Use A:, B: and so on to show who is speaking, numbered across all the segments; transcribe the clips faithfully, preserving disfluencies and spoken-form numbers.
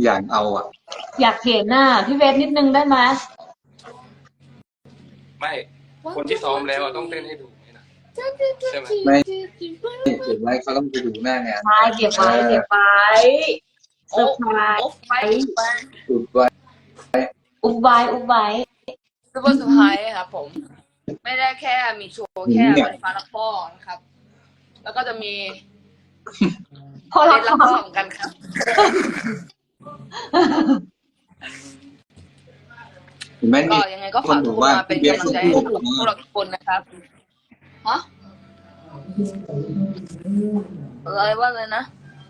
A: อยากเอาอ่ะ
B: อยากเห็นน่ะพี่เวทนิดนึงได้ไหม
C: ไม่คนที่ซ้อมแล้วต้องเต้นให้ดูไหมนะใช่ไหม
A: ไม่เก็บไว้เขาต้องไปดูหน้างาน
B: ใช่เก็บไว้เก็บไว้เซอร์ไพรส์
A: อุบไว้
B: อุบไว้อุบไว้
D: ซูเปอร์เซอร์ไพรส์ครับผมไม่ได้แค่มีโชว์แค่วันฟ้าละพ่อนะครับแล้วก็จะมี
B: พอเรา
D: เล่นละพ่อเหมือนกันครับก็ยังไงก็ฝากทุกคนมาเป็นกำลังใจให้พวกเราทุกคนนะครับฮะอะไรว่าเลยนะ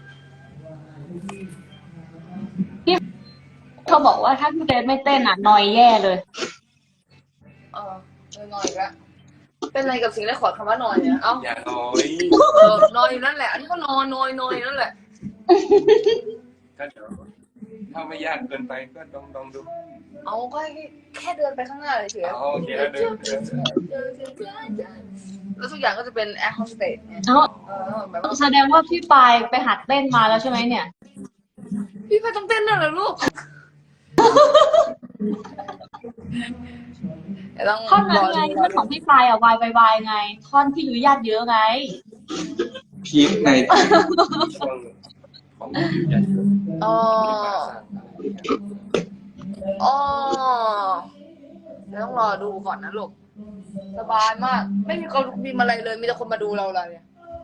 B: พี่เขาบอกว่าถ้าพี่เวทไม่เต้นอ่ะนอยแย่เลย
D: เออนอยแล้วเป็นอะไรกับสิ่งแรกขอคำว่านอยเนี่ยเอ้า
C: อย่านอย
D: นอยอยู่นั่นแหละอันนี้ก็นอนนอยนอยนั่นแหละ
C: ก็เดี๋ยวถ้าไม่ยากเกินไปก็ลองลองดู
D: เอาก็แค่เดินไปข้างหน้าเฉยๆ
C: โอเคแล้วเดิน
D: แล้วทุกอย่างก็จะเป็นแอร์โฮสเตสเนี่ย
B: แสดงว่าพี่ปายไปหัดเต้นมาแล้วใช่ไหมเนี่ย
D: พี่ปายต้องเต้นน่ะเหรอลูก
B: ท่อนนั้นไงท่อนของพี่ปายอะวายวายไงท่อนที่อยู่ญาติเยอะไง
A: พีคไง
C: ช่วงของอยู่ยัน
D: อ๋ออ๋อต้องรอดูก่อนนะลูกสบายมากไม่มีคนมีอะไรเลยมีแต่คนมาดูเราเลย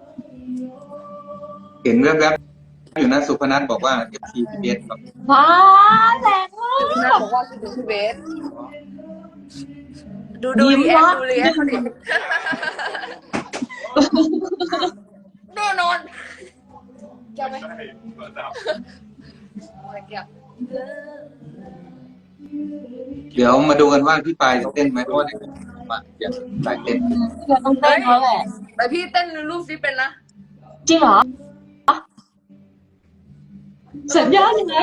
A: เห็นแวบๆอยู่นะสุพนัทบอกว่าเอฟซีพีเอสแบบ
B: ว้าแรงมาก
D: สุพนัทบอกว่าคือดูพีเอสดูดูรีแอคดูรีแอคเขาดิแน่นอนแก้วไหมแก้ว
A: เดี๋ยวมาดูกันว่าพี่ปายจะเต้นไหมเพราะว่าเดี๋ยวมาอยากปายเต้น
B: เราต้องเต้นเขาแหละ
D: แต่พี่เต้นรูปซิเป็นนะ
B: จริงเหรอสัญญาณยังไง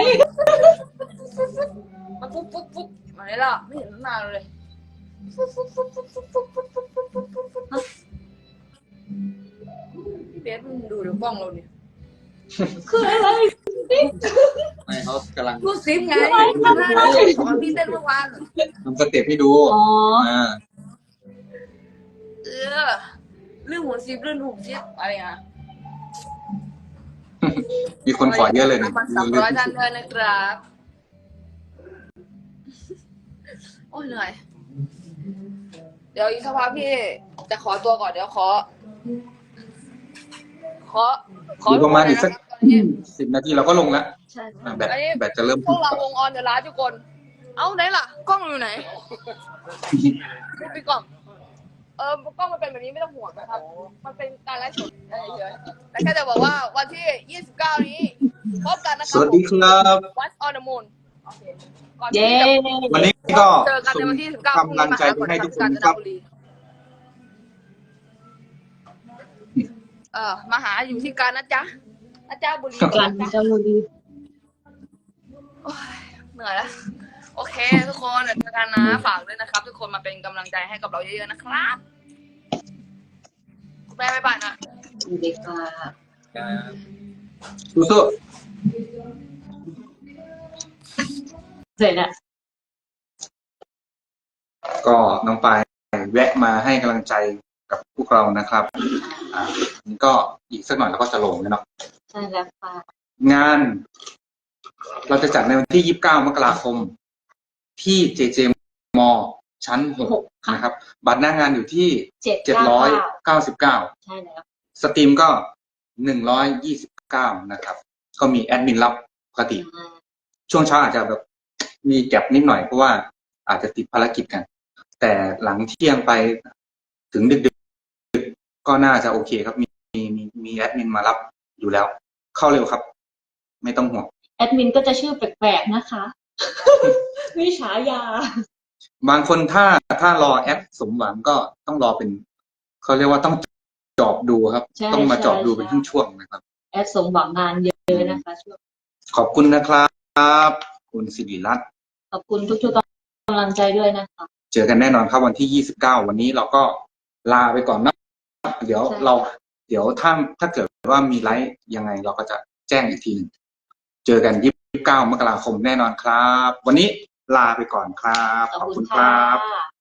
D: มาปุ๊บปุ๊บปุ๊บมาไหนล่ะไม่เห็นตั้งนานเลยพี่เบสมึงดูเดี๋ยวกล้องเราเนี่ย
B: คืออะไร
A: ไม่เขากำลัง
D: รูปซิไงมาหน้าเลยสอนพี่เต้นเมื่อวาน
A: ทำสเต็ปให้ดู
B: อ๋อ
D: เออเรื่องหัวซิปเรื่องหูซิปอะไรอ่ะ
A: มีคนขอเยอะเลยเนี่ย
D: สามร้อยท่านเลยนะครับโอ้ยเหนื่อยเดี๋ยวอีกสักพักพี่จะขอตัวก่อนเดี๋ยวขอขอ
A: ขอประมาณอีกสักสิบนาทีเราก็ลงแล้วแบตแบตจะเริ่ม
D: พวกเราวงออนเดอะไลฟ์ทุกคนเอ้าไหนล่ะกล้องอยู่ไหนพี่กล้องเออกล้องมันเป็นแบบนี้ไม่ต้องห่วงนะครับมันเป็นการไลฟ์สดเฉยๆแต่แค่จะบอกว่าวันที่ยี่สิบเก้านี้พบกันนะครับ
A: สวัสดีครับ
D: What's on the moon
B: เย้
A: วันนี้ก็
D: เจอกันในวันที่สิบเก้าพรุ่งนี้มาหาคนให้ทุกคนครับเออมาหาอยู่ที่การนะจ๊ะนะจ๊ะบุรี
B: การนะจ๊ะบุรี
D: เหนื่อยแล้วโอเคทุกคนเจอกันนะฝากด้วยนะครับทุกคนมาเป็นกำลังใจให้กับเราเยอะๆนะครับแม่บ๊ายบายนะ
B: สวัสดีค่ะ
A: สู้
B: ๆเสร็จแล้ว
A: ก็น้องปายแวะมาให้กำลังใจกับพวกเรานะครับอ่านี่ก็อีกสักหน่อยเราก็จะลงแล้วเนาะ
B: ใช่แล้วค่ะ
A: งานเราจะจัดในวันที่ยี่สิบเก้ามกราคมที่เจเจมอชั้นหกนะครับบัตรหน้างานอยู่ที่เจ็ดร้อยเก้าสิบเก้า
B: ใช่แล้ว
A: สตรีมก็หนึ่งร้อยยี่สิบเก้านะครับก็มีแอดมินรับปกติช่วงเช้าอาจจะแบบมีแก็บนิดหน่อยเพราะว่าอาจจะติดภารกิจกันแต่หลังเที่ยงไปถึงดึกๆก็น่าจะโอเคครับมีมีมีแอดมินมารับอยู่แล้วเข้าเร็วครับไม่ต้องห่วง
B: แอดมินก็จะชื่อแปลกๆนะคะมีฉายา
A: บางคนถ้าถ้ารอแอดสมหวังก็ต้องรอเป็นเขาเรียกว่าต้องจอบดูครับต้องมาจอบดูเป็นช่วงๆนะครับ
B: แอดสมหวังงานเยอะนะคะช่วง
A: ขอบคุณนะครับคุณสิริรัตน์
B: ขอบคุณทุกๆกำลังใจด้วยนะคะ
A: เจอกันแน่นอนครับวันที่ยี่สิบเก้าวันนี้เราก็ลาไปก่อนนะเดี๋ยวเราเดี๋ยวถ้าถ้าเกิดว่ามีไลฟ์ยังไงเราก็จะแจ้งอีกทีนึงเจอกันยี่สิบเก้ามกราคมแน่นอนครับ วันนี้ลาไปก่อนครับ
B: ขอบ
A: ขอบ
B: คุ
A: คุณ ณค
B: ค่
A: รับ
B: ะ